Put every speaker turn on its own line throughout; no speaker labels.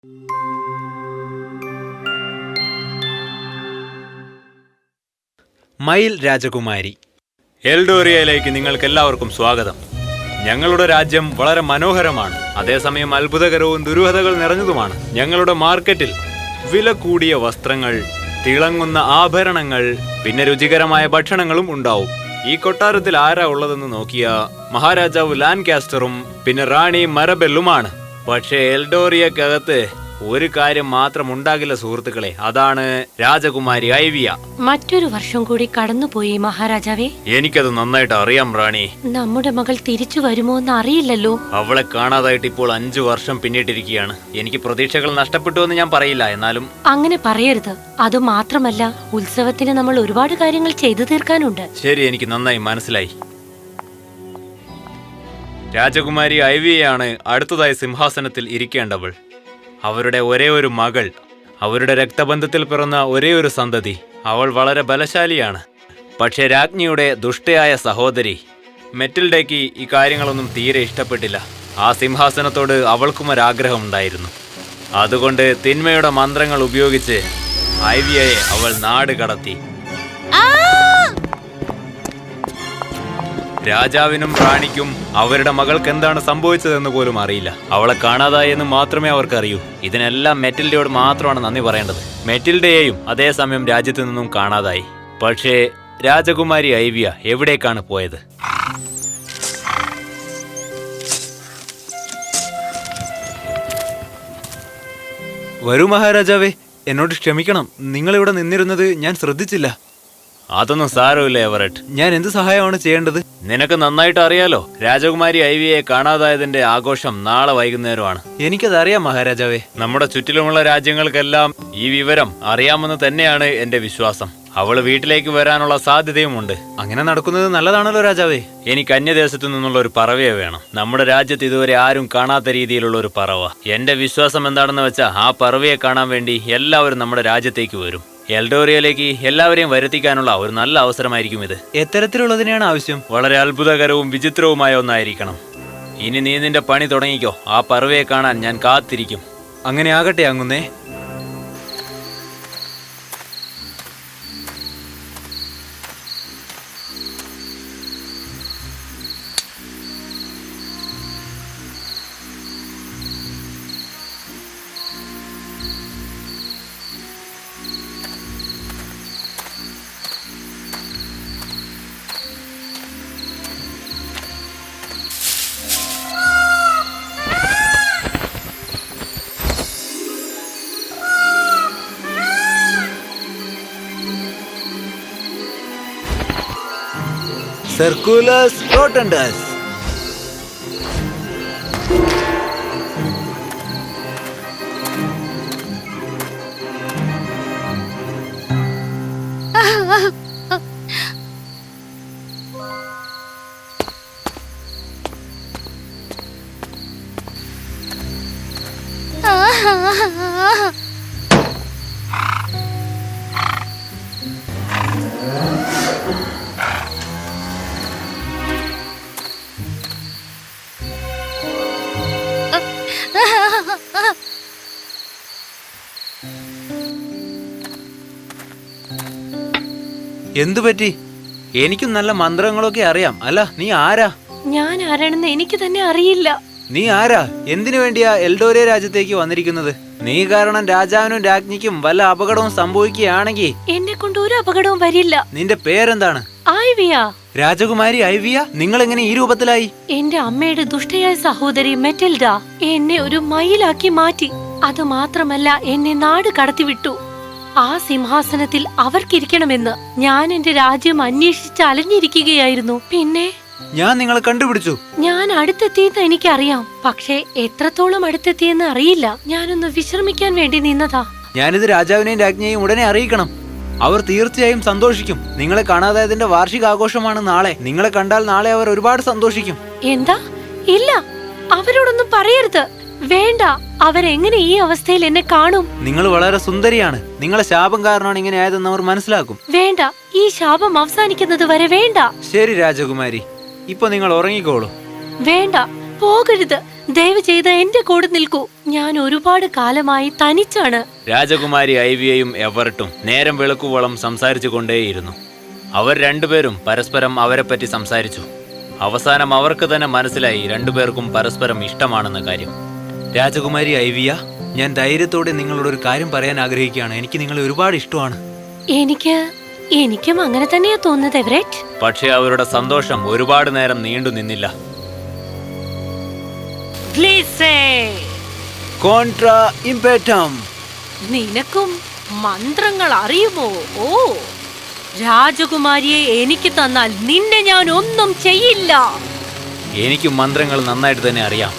മയിൽ രാജകുമാരി. എൽഡോറിയയിലേക്ക് നിങ്ങൾക്ക് എല്ലാവർക്കും സ്വാഗതം. ഞങ്ങളുടെ രാജ്യം വളരെ മനോഹരമാണ്, അതേസമയം അത്ഭുതകരവും ദുരൂഹതകൾ നിറഞ്ഞതുമാണ്. ഞങ്ങളുടെ മാർക്കറ്റിൽ വില കൂടിയ വസ്ത്രങ്ങൾ, തിളങ്ങുന്ന ആഭരണങ്ങൾ, പിന്നെ രുചികരമായ ഭക്ഷണങ്ങളും ഉണ്ടാവും. ഈ കൊട്ടാരത്തിൽ ആരാ ഉള്ളതെന്ന് നോക്കിയ മഹാരാജാവ് ലാൻകാസ്റ്ററും പിന്നെ റാണി മരബെല്ലുമാണ്. പക്ഷേ എൽഡോറിയക്കകത്ത് ഒരു കാര്യം മാത്രം ഉണ്ടാകില്ല സുഹൃത്തുക്കളെ, അതാണ് രാജകുമാരി ഐവിയ.
മറ്റൊരു വർഷം കൂടി കടന്നുപോയി മഹാരാജാവേ.
എനിക്കത് നന്നായിട്ട് അറിയാം റാണി.
നമ്മുടെ മകൾ തിരിച്ചു വരുമോ എന്ന് അറിയില്ലല്ലോ.
അവളെ കാണാതായിട്ട് ഇപ്പോൾ 5 വർഷം പിന്നിട്ടിരിക്കുകയാണ്. എനിക്ക് പ്രതീക്ഷകൾ നഷ്ടപ്പെട്ടു എന്ന് ഞാൻ പറയില്ല, എന്നാലും
അങ്ങനെ പറയരുത്. അത് മാത്രമല്ല, ഉത്സവത്തിന് നമ്മൾ ഒരുപാട് കാര്യങ്ങൾ ചെയ്തു തീർക്കാനുണ്ട്.
ശരി, എനിക്ക് നന്നായി മനസ്സിലായി. രാജകുമാരി ഐവിയയാണ് അടുത്തതായി സിംഹാസനത്തിൽ ഇരിക്കേണ്ടവൾ. അവരുടെ ഒരേ ഒരു മകൾ, അവരുടെ രക്തബന്ധത്തിൽ പിറന്ന ഒരേ ഒരു സന്തതി. അവൾ വളരെ ബലശാലിയാണ്. പക്ഷേ രാജ്ഞിയുടെ ദുഷ്ടയായ സഹോദരി മെറ്റിൽഡയ്ക്ക് ഈ കാര്യങ്ങളൊന്നും തീരെ ഇഷ്ടപ്പെട്ടില്ല. ആ സിംഹാസനത്തോട് അവൾക്കും ഒരാഗ്രഹമുണ്ടായിരുന്നു. അതുകൊണ്ട് തിന്മയുടെ മന്ത്രങ്ങൾ ഉപയോഗിച്ച് ഐവിയയെ അവൾ നാട് കടത്തി. രാജാവിനും റാണിക്കും അവരുടെ മകൾക്ക് എന്താണ് സംഭവിച്ചതെന്ന് പോലും അറിയില്ല. അവളെ കാണാതായെന്ന് മാത്രമേ അവർക്കറിയൂ. ഇതിനെല്ലാം മെറ്റിൽഡയോട് മാത്രമാണ് നന്ദി പറയേണ്ടത്. മെറ്റിൽഡയെയും അതേസമയം രാജ്യത്ത് നിന്നും കാണാതായി. പക്ഷേ രാജകുമാരി ഐവിയ എവിടേക്കാണ് പോയത്? വരൂ മഹാരാജാവേ, എന്നോട് ക്ഷമിക്കണം. നിങ്ങളിവിടെ നിന്നിരുന്നത് ഞാൻ ശ്രദ്ധിച്ചില്ല. അതൊന്നും സാരമില്ല എവററ്റ്. ഞാൻ എന്ത് സഹായമാണ് ചെയ്യേണ്ടത്? നിനക്ക് നന്നായിട്ട് അറിയാലോ, രാജകുമാരി ഐവിയെ കാണാതായതിന്റെ ആഘോഷം നാളെ വൈകുന്നേരമാണ്. എനിക്കതറിയാം മഹാരാജാവേ. നമ്മുടെ ചുറ്റിലുമുള്ള രാജ്യങ്ങൾക്കെല്ലാം ഈ വിവരം അറിയാമെന്ന് തന്നെയാണ് എന്റെ വിശ്വാസം. അവള് വീട്ടിലേക്ക് വരാനുള്ള സാധ്യതയുമുണ്ട്. അങ്ങനെ നടക്കുന്നത് നല്ലതാണല്ലോ രാജാവേ. എനിക്ക് അന്യദേശത്തു നിന്നുള്ള ഒരു പറവയെ വേണം. നമ്മുടെ രാജ്യത്ത് ഇതുവരെ ആരും കാണാത്ത രീതിയിലുള്ള ഒരു പറവ. എന്റെ വിശ്വാസം എന്താണെന്ന് വെച്ചാൽ ആ പറവയെ കാണാൻ വേണ്ടി എല്ലാവരും നമ്മുടെ രാജ്യത്തേക്ക് വരും. എൽഡോറിയയിലേക്ക് എല്ലാവരെയും വരുത്തിക്കാനുള്ള ഒരു നല്ല അവസരമായിരിക്കും ഇത്. എത്തരത്തിലുള്ളതിനെയാണ് ആവശ്യം? വളരെ അത്ഭുതകരവും വിചിത്രവുമായ ഒന്നായിരിക്കണം. ഇനി നീ നിന്റെ പണി തുടങ്ങിക്കോ. ആ പറവയെ കാണാൻ ഞാൻ കാത്തിരിക്കും. അങ്ങനെ ആകട്ടെ അങ്ങുന്നേ. Circulus rotundus. എന്തുപറ്റി? എനിക്കും നല്ല മന്ത്രങ്ങളൊക്കെ അറിയാം. അല്ല, നീ ആരാ?
ഞാൻ ആരാണെന്ന് എനിക്ക് തന്നെ അറിയില്ല.
നീ ആരാ? എന്തിനു വേണ്ടിയാ എൽഡോറിയ രാജ്യത്തേക്ക് വന്നിരിക്കുന്നത്? നീ കാരണം രാജാവിനും രാജ്ഞിക്കും വല്ല അപകടവും സംഭവിക്കുകയാണെങ്കിൽ
എന്നെ കൊണ്ട് ഒരു അപകടവും വരില്ല.
നിന്റെ പേരെന്താണ്?
ഐവിയ.
രാജകുമാരി ഐവിയ, നിങ്ങൾ എങ്ങനെ ഈ രൂപത്തിലായി?
എന്റെ അമ്മയുടെ ദുഷ്ടയായ സഹോദരി മെറ്റിൽഡ എന്നെ ഒരു മയിലാക്കി മാറ്റി. അത് മാത്രമല്ല, എന്നെ നാട് കടത്തിവിട്ടു. ആ സിംഹാസനത്തിൽ അവർക്കിരിക്കണമെന്ന് ഞാൻ എന്റെ രാജ്യം അന്വേഷിച്ച് അലഞ്ഞിരിക്കുകയായിരുന്നു. പിന്നെ
ഞാൻ നിങ്ങളെ കണ്ടുപിടിച്ചു.
ഞാൻ അടുത്തെത്തിയെന്ന് എനിക്കറിയാം, പക്ഷേ എത്രത്തോളം അടുത്തെത്തിയെന്ന് അറിയില്ല. ഞാനൊന്ന് വിശ്രമിക്കാൻ വേണ്ടി നിന്നതാ.
ഞാനിത് രാജാവിനെയും രാജ്ഞിയെയും ഉടനെ അറിയിക്കണം. അവർ തീർച്ചയായും സന്തോഷിക്കും. നിങ്ങളെ കാണാതായതിന്റെ വാർഷികാഘോഷമാണ് നാളെ. നിങ്ങളെ കണ്ടാൽ നാളെ അവർ ഒരുപാട് സന്തോഷിക്കും.
എന്താ? ഇല്ല, അവരോടൊന്നും പറയരുത്. വേണ്ട, അവരെങ്ങനെ ഈ അവസ്ഥയിൽ എന്നെ കാണും?
നിങ്ങൾ വളരെ സുന്ദരിയാണ്. നിങ്ങളെ ശാപം കാരണമാണ് ഇങ്ങനെ ആയതെന്ന് അവർ മനസ്സിലാക്കും.
വേണ്ട, ഈ ശാപം അവസാനിക്കുന്നത് വരെ വേണ്ട.
ശരി രാജകുമാരി, ഇപ്പൊ നിങ്ങൾ ഉറങ്ങിക്കോളൂ.
വേണ്ട, പോകരുത്. ദയവ് ചെയ്ത് എന്റെ കൂടെ നിൽക്കൂ. ഞാൻ ഒരുപാട് കാലമായി തനിച്ചാണ്.
രാജകുമാരി ഐവിയയും എവറട്ടും നേരം വെളുക്കുവോളം സംസാരിച്ചു കൊണ്ടേയിരുന്നു. അവർ രണ്ടുപേരും പരസ്പരം അവരെപ്പറ്റി സംസാരിച്ചു. അവസാനം അവർക്ക് തന്നെ മനസ്സിലായി രണ്ടുപേർക്കും പരസ്പരം ഇഷ്ടമാണെന്ന കാര്യം. രാജകുമാരി ഐവിയ, ഞാൻ ധൈര്യത്തോടെ നിങ്ങളോട് ഒരു കാര്യം പറയാൻ ആഗ്രഹിക്കുകയാണ്. എനിക്ക് നിങ്ങളെ ഒരുപാട് ഇഷ്ടമാണ്.
എനിക്കും അങ്ങനെ തന്നെയാ തോന്നുന്നത് എവററ്റ്.
പക്ഷേ അവരുടെ സന്തോഷം ഒരുപാട് നേരം നീണ്ടു നിന്നില്ല. കോൺട്രാ ഇംപേറ്റം.
നിനക്കും മന്ത്രങ്ങൾ അറിയുമോ? ഓ, രാജകുമാരിയെ എനിക്ക് തന്നാൽ നിന്നെ ഞാൻ ഒന്നും ചെയ്യില്ല.
എനിക്ക് മന്ത്രങ്ങൾ നന്നായിട്ട് തന്നെ അറിയാം.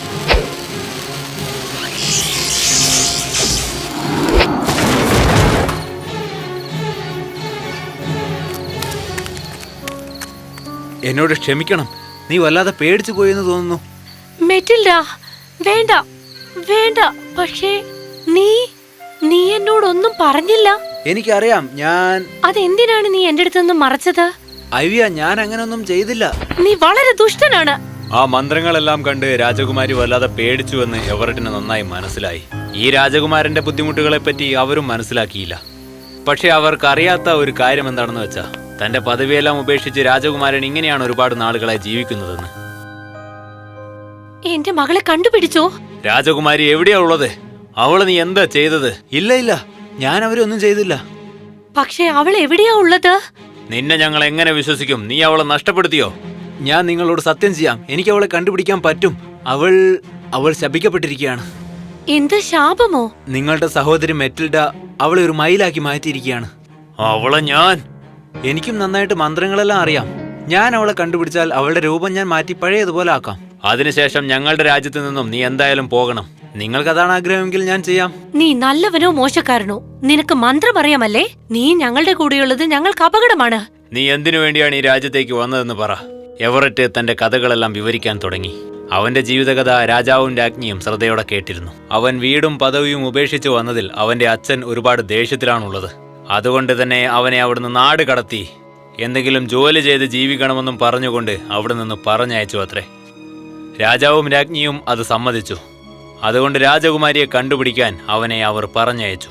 എന്നോട് ക്ഷമിക്കണം. നീ വല്ലാതെ പേടിച്ചു പോയെന്ന് തോന്നുന്നു.
മെറ്റിൽഡ, വേണ്ട വേണ്ട. പക്ഷേ നീ എന്നോടൊന്നും പറഞ്ഞില്ല.
എനിക്കറിയാം.
അതെന്തിനാണ് നീ എന്റെ അടുത്തൊന്നും മറച്ചത്?
ഐവിയ, ഞാൻ അങ്ങനൊന്നും ചെയ്തില്ല.
നീ വളരെ ദുഷ്ടനാണ്.
ആ മന്ത്രങ്ങളെല്ലാം കണ്ട് രാജകുമാരി വല്ലാതെ പേടിച്ചുവെന്ന് എവറട്ടിന് നന്നായി മനസ്സിലായി. ഈ രാജകുമാരന്റെ ബുദ്ധിമുട്ടുകളെ പറ്റി അവരും മനസ്സിലാക്കിയില്ല. പക്ഷെ അവർക്ക് അറിയാത്ത ഒരു കാര്യം എന്താണെന്ന് വെച്ചാ, തന്റെ പദവിയെല്ലാം ഉപേക്ഷിച്ച് രാജകുമാരൻ ഇങ്ങനെയാണ് ഒരുപാട് നാളുകളായി ജീവിക്കുന്നതെന്ന്.
എന്റെ മകളെ കണ്ടുപിടിച്ചോ?
രാജകുമാരി എവിടെയാ ഉള്ളത്? അവള് നീ എന്താ ചെയ്തത്? ഇല്ല, ഞാൻ അവരൊന്നും ചെയ്തില്ല.
പക്ഷെ അവൾ എവിടെയാ ഉള്ളത്?
നിന്നെ ഞങ്ങൾ എങ്ങനെ വിശ്വസിക്കും? നീ അവളെ നഷ്ടപ്പെടുത്തിയോ? ഞാൻ നിങ്ങളോട് സത്യം ചെയ്യാം, എനിക്ക് അവളെ കണ്ടുപിടിക്കാൻ പറ്റും. അവൾ ശപിക്കപ്പെട്ടിരിക്കുകയാണ്.
എന്ത് ശാപമോ?
നിങ്ങളുടെ സഹോദരി മെറ്റിൽഡ അവളെ ഒരു മയിലാക്കി മാറ്റിയിരിക്കുകയാണ്. എനിക്കും നന്നായിട്ട് മന്ത്രങ്ങളെല്ലാം അറിയാം. ഞാൻ അവളെ കണ്ടുപിടിച്ചാൽ അവളുടെ രൂപം ഞാൻ മാറ്റി പഴയതുപോലെ ആക്കാം. അതിനുശേഷം ഞങ്ങളുടെ രാജ്യത്ത് നിന്നും നീ എന്തായാലും പോകണം. നിങ്ങൾക്കതാണ് ആഗ്രഹമെങ്കിൽ ഞാൻ ചെയ്യാം.
നീ നല്ലവനോ മോശക്കാരനോ, നിനക്ക് മന്ത്രം അറിയാമല്ലേ? നീ ഞങ്ങളുടെ കൂടെയുള്ളത് ഞങ്ങൾക്ക് അപകടമാണ്.
നീ എന്തിനു വേണ്ടിയാണ് ഈ രാജ്യത്തേക്ക് വന്നതെന്ന് പറ. എവററ്റ് തന്റെ കഥകളെല്ലാം വിവരിക്കാൻ തുടങ്ങി. അവന്റെ ജീവിതകഥ രാജാവും രാജ്ഞിയും ശ്രദ്ധയോടെ കേട്ടിരുന്നു. അവൻ വീടും പദവിയും ഉപേക്ഷിച്ചു വന്നതിൽ അവന്റെ അച്ഛൻ ഒരുപാട് ദേഷ്യത്തിലാണുള്ളത്. അതുകൊണ്ട് തന്നെ അവനെ അവിടുന്ന് നാട് കടത്തി എന്തെങ്കിലും ജോലി ചെയ്ത് ജീവിക്കണമെന്നും പറഞ്ഞുകൊണ്ട് അവിടെ നിന്ന് പറഞ്ഞയച്ചു അത്രേ. രാജാവും രാജ്ഞിയും അത് സമ്മതിച്ചു. അതുകൊണ്ട് രാജകുമാരിയെ കണ്ടുപിടിക്കാൻ അവനെ അവർ പറഞ്ഞയച്ചു.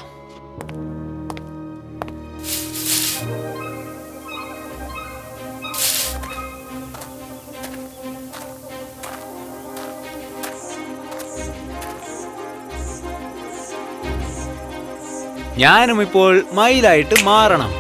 ഞാനും ഇപ്പോൾ മയിലായിട്ട് മാറണം.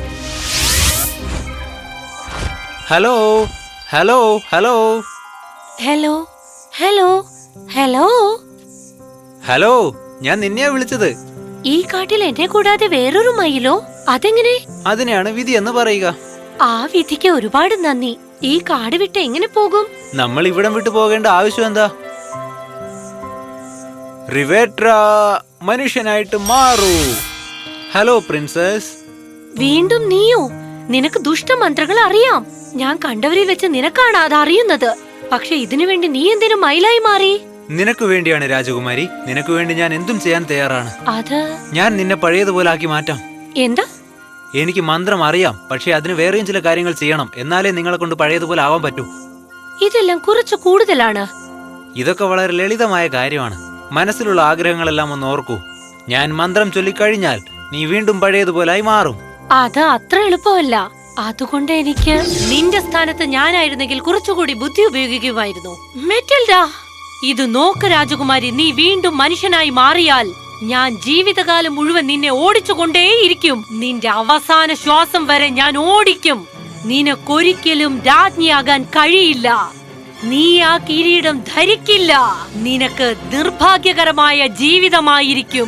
Hello hello hello
hello hello hello
hello, ഞാൻ നിന്നെയാ വിളിച്ചത്.
ഈ കാട്ടിൽ എന്നെ കൂടാതെ വേറൊരു മയിലോ? അതെങ്ങനെ?
അതിനെയാണ് വിധി എന്ന് പറയുക.
ആ വിധിക്ക് ഒരുപാട് നന്ദി. ഈ കാട് വിട്ട് എങ്ങനെ പോകും?
നമ്മൾ ഇവിടം വിട്ടു പോകേണ്ട ആവശ്യം എന്താ? റിവേട്ര മനുഷ്യനായിട്ട് മാറൂ. Hello princess.
വീണ്ടും നീയോ? നിനക്ക് ദുഷ്ടമന്ത്രങ്ങൾ അറിയാം. ഞാൻ കണ്ടവരിൽ വെച്ച് നിനക്കാണ് അത് അറിയുന്നത്. പക്ഷെ ഇതിനു വേണ്ടി നീ എന്തിനു മയിലായി മാറി?
നിനക്ക് വേണ്ടിയാണ് രാജകുമാരി. നിനക്ക് വേണ്ടി ഞാൻ എന്തും ചെയ്യാൻ തയ്യാറാണ്. ഞാൻ നിന്നെ പഴയതുപോലെ ആക്കി മാറ്റാം.
എന്താ?
എനിക്ക് മന്ത്രം അറിയാം, പക്ഷെ അതിന് വേറെയും ചില കാര്യങ്ങൾ ചെയ്യണം. എന്നാലേ നിങ്ങളെ കൊണ്ട് പഴയതുപോലെ ആവാൻ പറ്റൂ.
ഇതെല്ലാം കുറച്ചു കൂടുതലാണ്.
ഇതൊക്കെ വളരെ ലളിതമായ കാര്യമാണ്. മനസ്സിലുള്ള ആഗ്രഹങ്ങളെല്ലാം ഒന്ന് ഓർക്കൂ. ഞാൻ മന്ത്രം ചൊല്ലിക്കഴിഞ്ഞാൽ നീ വീണ്ടും പഴയതുപോലായി മാറും.
അത് അത്ര എളുപ്പമല്ല. അതുകൊണ്ട് എനിക്ക് നിന്റെ സ്ഥാനത്ത് ഞാനായിരുന്നെങ്കിൽ കുറച്ചുകൂടി ബുദ്ധി ഉപയോഗിക്കുമായിരുന്നു. മെറ്റിൽഡ, ഇത് നോക്ക് രാജകുമാരി, നീ വീണ്ടും മനുഷ്യനായി മാറിയാൽ ഞാൻ ജീവിതകാലം മുഴുവൻ നിന്നെ ഓടിച്ചുകൊണ്ടേയിരിക്കും. നിന്റെ അവസാന ശ്വാസം വരെ ഞാൻ ഓടിക്കും. നിനക്കൊരിക്കലും രാജ്ഞിയാകാൻ കഴിയില്ല. നീ ആ കിരീടം ധരിക്കില്ല. നിനക്ക് നിർഭാഗ്യകരമായ ജീവിതമായിരിക്കും.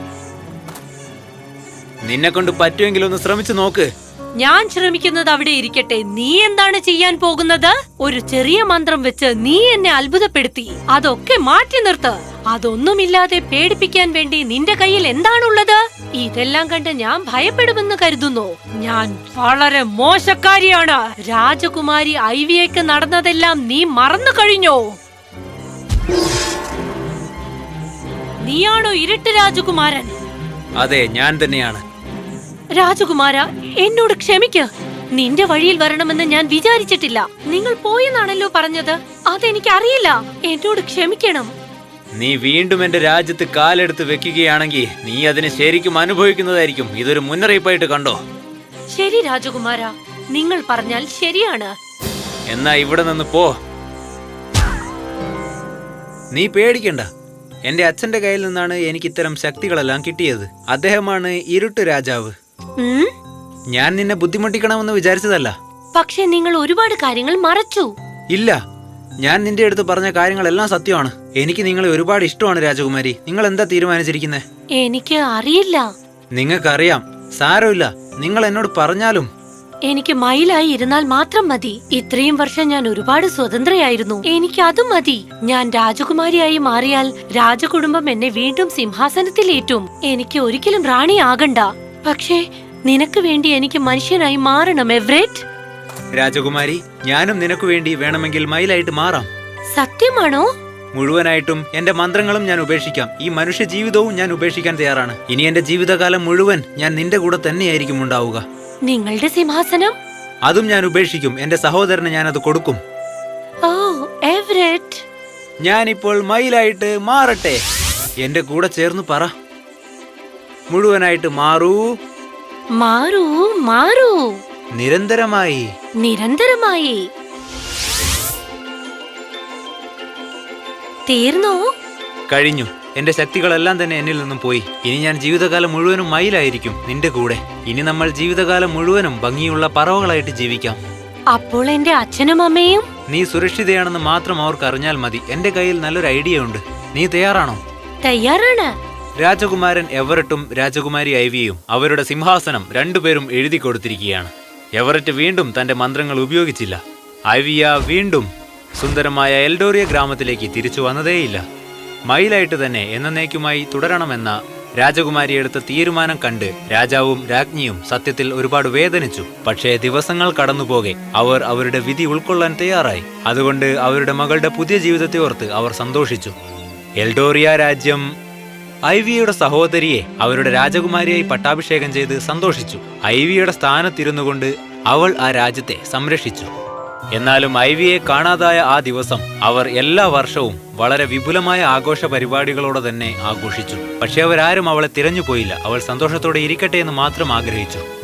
നിന്നെ കൊണ്ട് പറ്റുമെങ്കിൽ ഒന്ന് ശ്രമിച്ചു നോക്ക്.
ഞാൻ ശ്രമിക്കുന്നത് അവിടെ ഇരിക്കട്ടെ. നീ എന്താണ് ചെയ്യാൻ പോകുന്നത്? ഒരു ചെറിയ മന്ത്രം വെച്ച് നീ എന്നെ അത്ഭുതപ്പെടുത്തി. അതൊക്കെ മാറ്റി നിർത്ത്. അതൊന്നുമില്ലാതെ പേടിപ്പിക്കാൻ വേണ്ടി നിന്റെ കയ്യിൽ എന്താണുള്ളത്? ഇതെല്ലാം കണ്ട് ഞാൻ ഭയപ്പെടുമെന്ന് കരുതുന്നു. ഞാൻ വളരെ മോശക്കാരിയാണ്. രാജകുമാരി ഐവിയയ്ക്ക് നടന്നതെല്ലാം നീ മറന്നു കഴിഞ്ഞോ? നീയാണോ ഇരുട്ട് രാജകുമാരൻ?
അതെ, ഞാൻ തന്നെയാണ്.
രാജകുമാര, എന്നോട് ക്ഷമിക്ക്. നിന്റെ വഴിയിൽ വരണമെന്ന് ഞാൻ വിചാരിച്ചിട്ടില്ല. നിങ്ങൾ പോയെന്നാണല്ലോ പറഞ്ഞത്. അതെനിക്കറിയില്ല. എന്നോട് ക്ഷമിക്കണം.
നീ വീണ്ടും എന്റെ രാജ്യത്ത് കാലെടുത്ത് വെക്കുകയാണെങ്കിൽ നീ അതിന് ശരിക്കും അനുഭവിക്കുന്നതായിരിക്കും. ഇതൊരു മുന്നറിയിപ്പായിട്ട് കണ്ടോ?
ശരി രാജകുമാര, നിങ്ങൾ പറഞ്ഞാൽ ശരിയാണ്.
എന്നാ ഇവിടെ നിന്ന് പോ. നീ പേടിക്കണ്ട. എന്റെ അച്ഛന്റെ കയ്യിൽ നിന്നാണ് എനിക്ക് ഇത്തരം ശക്തികളെല്ലാം കിട്ടിയത്. അദ്ദേഹമാണ് ഇരുട്ട് രാജാവ്. ഞാൻ നിന്നെ ബുദ്ധിമുട്ടിക്കണമെന്ന് വിചാരിച്ചതല്ല.
പക്ഷെ നിങ്ങൾ ഒരുപാട് കാര്യങ്ങൾ മറച്ചു.
ഇല്ല, ഞാൻ നിന്റെ അടുത്ത് പറഞ്ഞ കാര്യങ്ങളെല്ലാം സത്യമാണ്. എനിക്ക് നിങ്ങളെ ഒരുപാട് ഇഷ്ടമാണ് രാജകുമാരി. നിങ്ങൾ എന്താ തീരുമാനിച്ചിരിക്കുന്നത്?
എനിക്ക് അറിയില്ല.
നിങ്ങൾക്കറിയാം, സാരമില്ല. നിങ്ങൾ എന്നോട് പറഞ്ഞാലും.
എനിക്ക് മയിലായി ഇരുന്നാൽ മാത്രം മതി. ഇത്രയും വർഷം ഞാൻ ഒരുപാട് സ്വതന്ത്രയായിരുന്നു. എനിക്ക് അതും മതി. ഞാൻ രാജകുമാരിയായി മാറിയാൽ രാജകുടുംബം എന്നെ വീണ്ടും സിംഹാസനത്തിലേറ്റും. എനിക്ക് ഒരിക്കലും റാണിയാകണ്ട. പക്ഷേ നിനക്ക് വേണ്ടി എനിക്ക് മനുഷ്യനായി മാറണം എവറെറ്റ്.
രാജകുമാരി, ഞാനും നിനക്ക് വേണ്ടി വേണമെങ്കിൽ മയിലായിട്ട് മാറാം.
സത്യമാണോ?
മുഴുവനായിട്ടും എന്റെ മന്ത്രങ്ങളും ഞാൻ ഉപേക്ഷിക്കാം. ഈ മനുഷ്യ ജീവിതവും ഞാൻ ഉപേക്ഷിക്കാൻ തയ്യാറാണ്. ഇനി എന്റെ ജീവിതകാലം മുഴുവൻ ഞാൻ നിന്റെ കൂടെ തന്നെയായിരിക്കും ഉണ്ടാവുക.
നിങ്ങളുടെ സിംഹാസനം?
അതും ഞാൻ ഉപേക്ഷിക്കും. എന്റെ സഹോദരന് ഞാൻ അത് കൊടുക്കും.
ഓ എവറെറ്റ്,
ഞാനിപ്പോൾ മയിലായിട്ട് മാറട്ടെ. എന്റെ കൂടെ ചേർന്ന് പറ, മുഴുവനായിട്ട് മാറൂ.
മാറൂ മാറൂ.
നിരന്തരമായി.
നിരന്തരമായി. തീർന്നോ?
കഴിഞ്ഞു. എന്റെ ശക്തികളെല്ലാം തന്നെ എന്നിൽ നിന്നും പോയി. ഇനി ഞാൻ ജീവിതകാലം മുഴുവനും മയിലായിരിക്കും നിന്റെ കൂടെ. ഇനി നമ്മൾ ജീവിതകാലം മുഴുവനും ഭംഗിയുള്ള പറവകളായിട്ട് ജീവിക്കാം.
അപ്പോൾ എന്റെ അച്ഛനും അമ്മയും?
നീ സുരക്ഷിതയാണെന്ന് മാത്രം അവർക്ക് അറിഞ്ഞാൽ മതി. എന്റെ കയ്യിൽ നല്ലൊരു ഐഡിയ ഉണ്ട്. നീ തയ്യാറാണോ?
തയ്യാറാണ്.
രാജകുമാരൻ എവററ്റും രാജകുമാരി ഐവിയും അവരുടെ സിംഹാസനം രണ്ടുപേരും എഴുതി കൊടുത്തിരിക്കുകയാണ്. എവററ്റ് വീണ്ടും തന്റെ മന്ത്രങ്ങൾ ഉപയോഗിച്ചില്ല. ഐവിയ വീണ്ടും സുന്ദരമായ എൽഡോറിയ ഗ്രാമത്തിലേക്ക് തിരിച്ചു വന്നതേയില്ല. മയിലായിട്ട് തന്നെ എന്നേക്കുമായി തുടരണമെന്ന രാജകുമാരി എടുത്ത തീരുമാനം കണ്ട് രാജാവും രാജ്ഞിയും സത്യത്തിൽ ഒരുപാട് വേദനിച്ചു. പക്ഷേ ദിവസങ്ങൾ കടന്നുപോകെ അവർ അവരുടെ വിധി ഉൾക്കൊള്ളാൻ തയ്യാറായി. അതുകൊണ്ട് അവരുടെ മകളുടെ പുതിയ ജീവിതത്തെ ഓർത്ത് അവർ സന്തോഷിച്ചു. എൽഡോറിയ രാജ്യം ഐവിയുടെ സഹോദരിയെ അവരുടെ രാജകുമാരിയായി പട്ടാഭിഷേകം ചെയ്ത് സന്തോഷിച്ചു. ഐവിയുടെ സ്ഥാനത്തിരുന്നു കൊണ്ട് അവൾ ആ രാജ്യത്തെ സംരക്ഷിച്ചു. എന്നാലും ഐവിയെ കാണാതായ ആ ദിവസം അവർ എല്ലാ വർഷവും വളരെ വിപുലമായ ആഘോഷ പരിപാടികളോടെ തന്നെ ആഘോഷിച്ചു. പക്ഷെ അവരാരും അവളെ തിരഞ്ഞുപോയില്ല. അവൾ സന്തോഷത്തോടെ ഇരിക്കട്ടെ എന്ന് മാത്രം ആഗ്രഹിച്ചു.